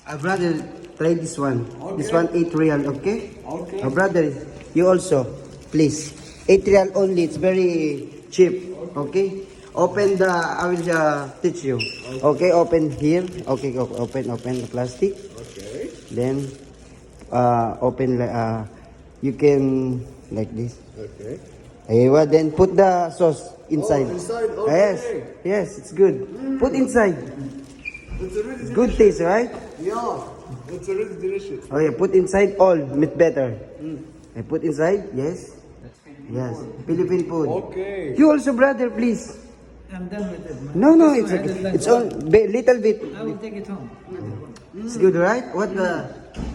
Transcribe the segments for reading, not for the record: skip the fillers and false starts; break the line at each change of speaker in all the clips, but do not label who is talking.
Brother, try this one.
Okay.
This one 8 real, okay?
Okay.
Brother, you also, please. 8 real only. It's very cheap, okay? Open the, I will teach you. Okay, open here. Okay, open the plastic.
Okay.
Then, open, you can, like this.
Okay.
Aywa, then put the sauce inside.
Oh, inside, okay.
Yes, it's good. Put inside.
It's already
Good taste, right?
Yeah. It's already delicious.
Okay, put inside all, meat better. I put inside, yes. Yes, Philippine food.
Okay.
You also, brother, please.
I'm done with it. Man.
No,
This one I did like
it's all little bit.
I will take it home.
It's good, right? What the?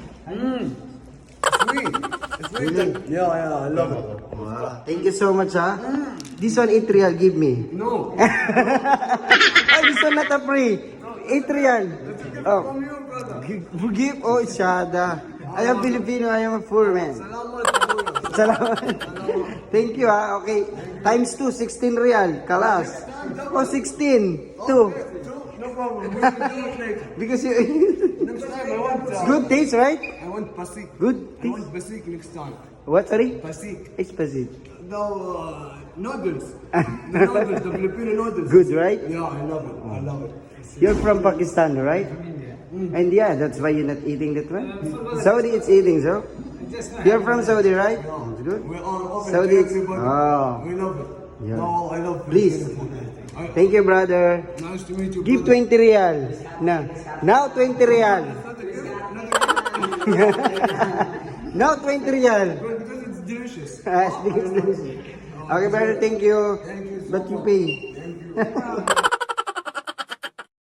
Sweet. It's sweet. Yeah, I love it.
Wow. Thank you so much, ha. This one 8 real, give me.
No.
Oh, this one not a free. 8 real. Oh,
From you, brother.
give. Oh, Shada. I am Filipino. I am a poor man.
Salamat.
Salamat. Thank you, ha. Okay. Times 2, 16 real. Kalas. Oh, 16. 2.
No problem. We will do it later.
Because you...
Next time I want.
Good taste, right?
I want pasik.
Good
I
taste.
want pasik next time.
What, sorry?
Pasik.
It's Pasit.
No noodles. The noodles, the Filipino noodles.
Good, right?
Yeah, I love it. I love it.
You're from Pakistan, right? And yeah, that's why you're not eating that one. Saudi, it's eating, so. You're from Saudi, right? It's good.
We're all open
Saudi,
to everybody.
oh.
We love it.
Yeah.
No, I love
Please.
Filipino food.
Thank you, brother.
Nice to meet you.
Give
brother.
20 real. Now 20 real. Now 20 real.
Because it's delicious.
Okay, brother, thank you. But you pay.